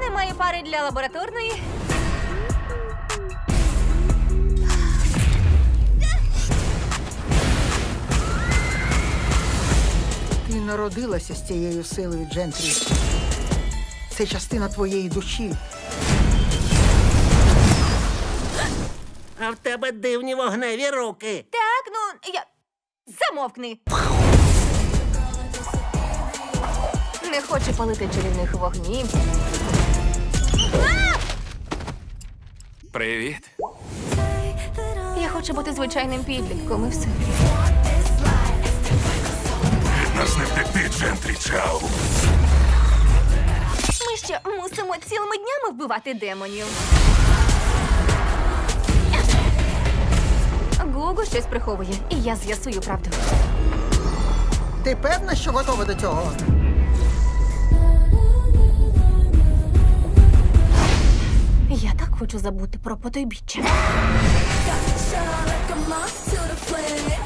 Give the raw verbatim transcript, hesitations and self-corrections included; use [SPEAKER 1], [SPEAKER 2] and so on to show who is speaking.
[SPEAKER 1] Немає пари для лабораторної.
[SPEAKER 2] Ти народилася з цією силою, Джентрі. Це частина твоєї душі.
[SPEAKER 3] А в тебе дивні вогневі руки.
[SPEAKER 1] Так, ну, я... Замовкни. Не хочу палити чарівних вогнів.
[SPEAKER 4] Привіт.
[SPEAKER 1] Я хочу бути звичайним підлітком і все.
[SPEAKER 4] Нас не втекти, Джентрі, чау.
[SPEAKER 1] Ми ще мусимо цілими днями вбивати демонів. Гугу щось приховує, і я з'ясую правду.
[SPEAKER 2] Ти певна, що готова до цього?
[SPEAKER 1] Я так хочу забути про потойбіччя.
[SPEAKER 5] Shine like a moth to the flame.